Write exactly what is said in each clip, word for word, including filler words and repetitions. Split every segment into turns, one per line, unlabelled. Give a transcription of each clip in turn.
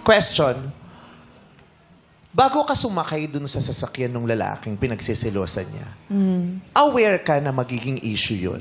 question, bago ka sumakay dun sa sasakyan ng lalaking pinagsisilosan niya, aware ka na magiging issue yun?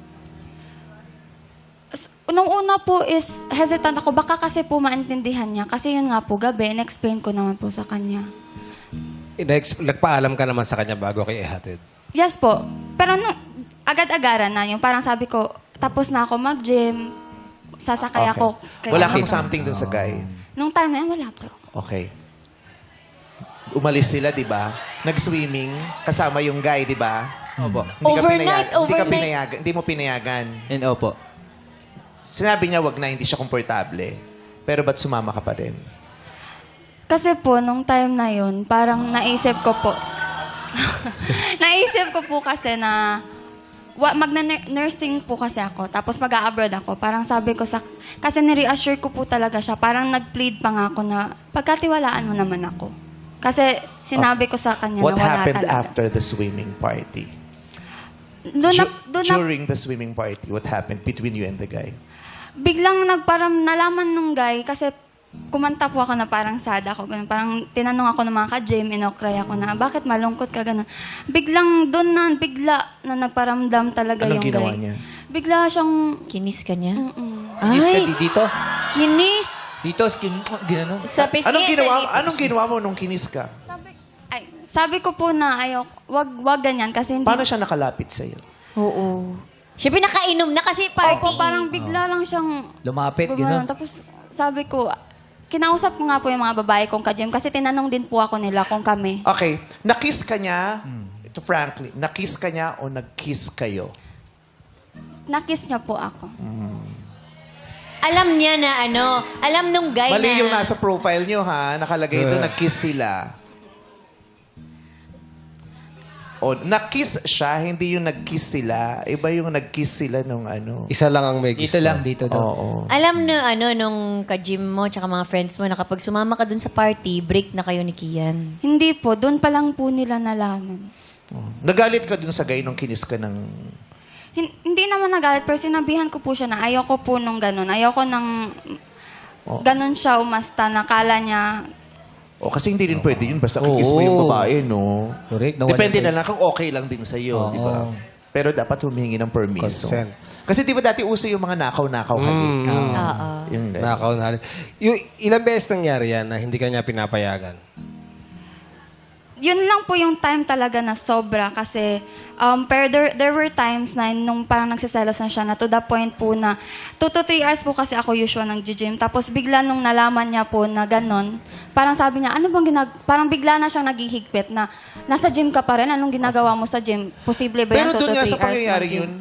S- Nung una po is hesitant ako. Baka kasi po maintindihan niya. Kasi yun nga po, gabi, in-explain ko naman po sa kanya.
Inex- Nagpaalam ka naman sa kanya bago kay ihatid.
Yes po. Pero nung agad-agaran na yung parang sabi ko, tapos na ako mag-gym, sasakay ako. kay-
Wala kang something dun sa guy?
Nung time na yun, wala po.
Okay. Umalis sila, di ba? Nag-swimming, kasama yung guy, di ba?
Opo.
Hindi ka
Overnight,
pinayag- Hindi ka
overnight.
pinayagan. Hindi mo pinayagan.
And opo.
Sinabi niya, wag na, hindi siya komportable. Pero ba't sumama ka pa rin?
Kasi po, nung time na yun, parang naisip ko po, naisip ko po kasi na, wa, magna-nursing po kasi ako, tapos mag-a-abroad ako. Parang sabi ko sa, kasi ni-reassure ko po talaga siya, parang nag-plead pa nga ako na, pagkatiwalaan mo naman ako. Kasi sinabi ko sa kanya
What
na wala
happened
talaga.
after the swimming party?
Doon na,
Ju-
doon na,
during the swimming party, what happened between you and the guy?
biglang nagparam nalaman nung guy kasi kumanta po ako na parang sad ako. Ganun. Parang tinanong ako ng mga ka-gym, inokray ako na, bakit malungkot ka ganun? Biglang doon na, bigla na nagparamdam talaga
Anong
yung
ginawa
guy.
niya?
Bigla siyang,
Kinis ka niya?
mm
Kinis ka
Ay,
di- dito.
kinis!
Dito, skin, ginano.
Sa pisngi,
Anong ginawa,
sa lips.
anong ginawa mo nung kinis ka?
sabi, ay, sabi ko po na ayaw, wag, wag ganyan kasi hindi.
Paano siya nakalapit sa'yo?
Oo. Siya pinakainom na kasi party.
Opo, parang bigla lang siyang
Lumapit,
gumanon.
gano'n.
Tapos sabi ko, kinausap ko nga po yung mga babae kong ka-gym kasi tinanong din po ako nila kung kami.
Okay, nakiss ka niya, ito frankly, nakiss ka niya o nag-kiss kayo?
Nakiss niya po ako.
Alam niya na ano, alam nung guy
Mali
na...
yung nasa profile niyo ha, nakalagay doon, nag-kiss sila. O, nakiss siya, hindi yung nag-kiss sila. Iba yung nag-kiss sila nung ano.
Isa lang ang may gusto.
Dito lang, dito daw.
Oo.
Alam na ano, nung ka-gym mo tsaka mga friends mo na kapag sumama ka dun sa party, break na kayo ni Kian.
Hindi po, doon pa lang po nila nalaman.
Nagalit ka dun sa guy nung kinis ka ng...
Hin- hindi naman nagalit, pero sinabihan ko po siya na ayoko po nung ganun. Ayoko nang ganun siya umasta, nakala niya.
O, kasi hindi rin pwede yun. Basta kikiss mo yung
Oo.
babae, no?
Correct. Nawala
Depende
tayo.
na lang kung okay lang din sa'yo,
Oo.
di ba? Pero dapat humingi ng permiso.
Consent.
Kasi di ba dati uso yung mga nakaw-nakaw halik?
Oo.
Yung ganun.
Nakaw na halin. Yung ilang beses nangyari yan na hindi ka niya pinapayagan?
Yun lang po yung time talaga na sobra kasi um, pero there, there were times na nung parang nagsiselos na siya na to the point po na two to three hours po kasi ako usual ng gym. Tapos bigla nung nalaman niya po na ganon, parang sabi niya, ano bang ginag... Parang bigla na siyang naghihigpit na nasa gym ka pa rin, anong ginagawa mo sa gym? Posible ba
Pero
yan two
doon
to
nga
three
sa
hours
pangyayari
ng gym?
yun,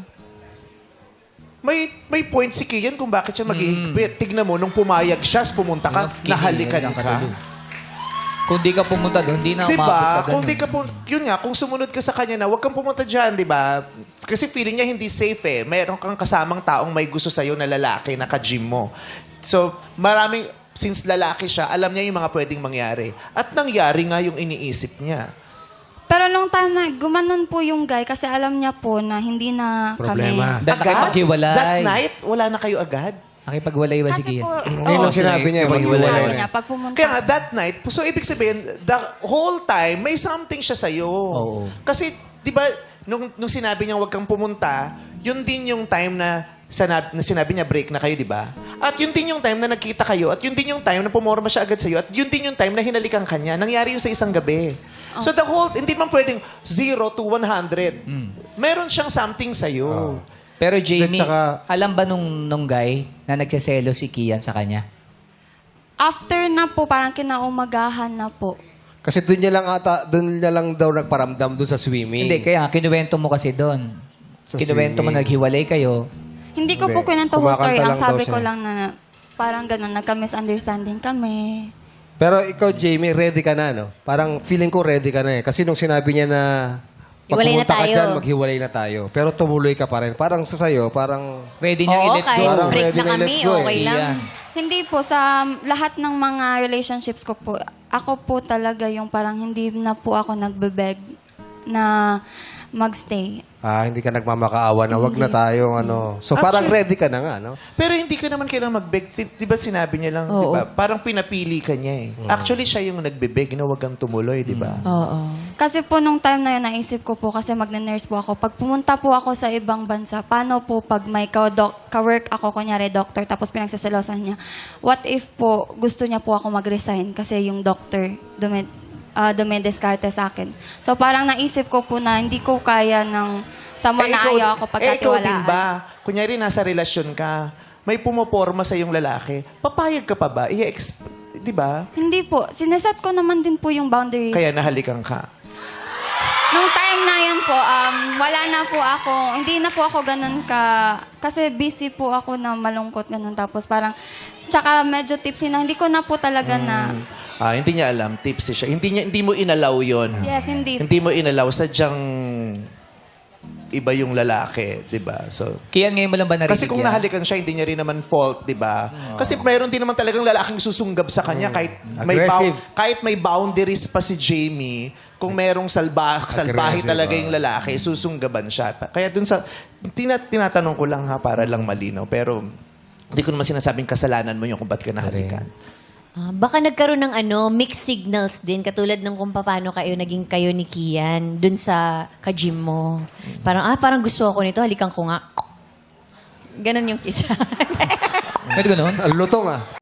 may may point si Kian kung bakit siya maghihigpit. Tignan mo, nung pumayag siya, pumunta ka,
Unang kinig,
nahalikan
unang
ka.
katulog. Kung di ka pumunta doon, di na
Di
umabot sa
ba?
ganun.
Kung di ka pun- yun nga, kung sumunod ka sa kanya na, huwag kang pumunta dyan, di ba? Kasi feeling niya hindi safe eh. Mayroon kang kasamang taong may gusto sa'yo na lalaki na ka-gym mo. So, maraming, since lalaki siya, alam niya yung mga pwedeng mangyari. At nangyari nga yung iniisip niya.
Pero nung time na gumanon po yung guy kasi alam niya po na hindi na
Problema.
kami.
Dahil nakipaghiwalay.
That night, wala na kayo agad?
Nakipagwalay ba si
Kasi
Kian?
po,
Yun
oo,
ang sinabi niya.
Iba-
maghiwalay
sinabi
na.
niya, pag pumunta.
Kaya nga, that night, so ibig sabihin, the whole time, may something siya sa'yo.
Oo.
Kasi, di ba, nung, nung sinabi niya huwag kang pumunta, yun din yung time na, sanab, na sinabi niya break na kayo, di ba? At yun din yung time na nagkita kayo, at yun din yung time na pumorma siya agad sa'yo, at yun din yung time na hinalikan ka niya. Nangyari yun sa isang gabi. So the whole, hindi man pwedeng zero to one hundred. Meron siyang something sa'yo.
Pero Jamie,
At saka-
alam ba nung, nung guy na nagseselo si Kian sa kanya?
After na po, parang kinaumagahan na po.
Kasi doon niya lang ata, doon niya lang daw nagparamdam doon sa swimming.
Hindi, kaya kinuwento mo kasi doon.
Sa
Kinuwento mo
swimming.
naghiwalay kayo.
Hindi ko po
Hindi.
kwento whole story.
Kumakanta
Ang
lang daw
sabi ko
siya.
lang na parang ganun, nagka-misunderstanding kami.
Pero ikaw, Jamie, ready ka na, no? Parang feeling ko ready ka na eh. Kasi nung sinabi niya na pag
Hiwalay na
pumunta ka
tayo.
dyan, maghiwalay na tayo. Pero tumuloy ka pa rin. Parang sa sayo, parang...
Pwede niyang
Oo,
i-let go.
kahit
Parang
break
ready
na
na
kami,
i-let go eh.
okay lang.
Iyan.
Hindi po, sa lahat ng mga relationships ko po, ako po talaga yung parang hindi na po ako nagbebeg na magstay.
Ah, hindi ka nagmamakaawa na wag na tayong ano. So parang
Actually-
ready ka na nga, no?
Pero hindi ka naman kailangan mag-beg. Di, di ba sinabi niya lang, di
Oo.
ba? Parang pinapili ka niya eh. Actually, siya yung nagbe-beg na wag kang tumuloy, di ba?
Oo.
Kasi po nung time na yun, naisip ko po kasi magne-nurse po ako. Pag pumunta po ako sa ibang bansa, paano po pag may ka-doc- ka-work ako, kunyari doctor, tapos pinagsaselosan niya, what if po gusto niya po ako mag-resign kasi yung doctor dumed, uh, dumediskarte sa akin. So parang naisip ko po na hindi ko kaya ng someone na ayaw ako
eh, ikaw din
pagkatiwalaan.
ba? Kunyari, nasa relasyon ka, may pumoporma sa yung lalaki, papayag ka pa ba? I-exp- di ba?
Hindi po. Sineset ko naman din po yung boundaries.
Kaya nahalikan ka.
Nung time na yun po, um, wala na po ako, hindi na po ako ganun ka, kasi busy po ako na malungkot ganun. Tapos parang, tsaka medyo tipsy na, hindi ko na po talaga na,
Ah, hindi niya alam, tipsy siya. Hindi, niya, hindi mo inalaw yon.
yes, hindi.
Hindi mo inalaw, sadyang iba yung lalaki, di ba? So,
Kian, ngayon mo lang ba narinig
kasi kung
yan?
nahalikan siya, hindi niya rin naman fault, di ba? Kasi mayroon din naman talagang lalaking susunggab sa kanya kahit may
Aggressive.
bou- kahit may boundaries pa si Jamie, kung merong salba salbahe
Aggressive,
talaga
ah.
yung lalaki, susunggaban siya. Kaya dun sa tina, tinatanong ko lang ha para lang malinaw, pero hindi ko naman sinasabing kasalanan mo yung kung ba't ka nahalikan.
Ah, baka nagkaroon ng ano, mixed signals din, katulad ng kung paano kayo naging kayo ni Kian dun sa ka-gym mo. Parang, ah, parang gusto ako nito, halikan ko nga. Ganon yung kisa.
Pwede ganun?
Ang lutong ah.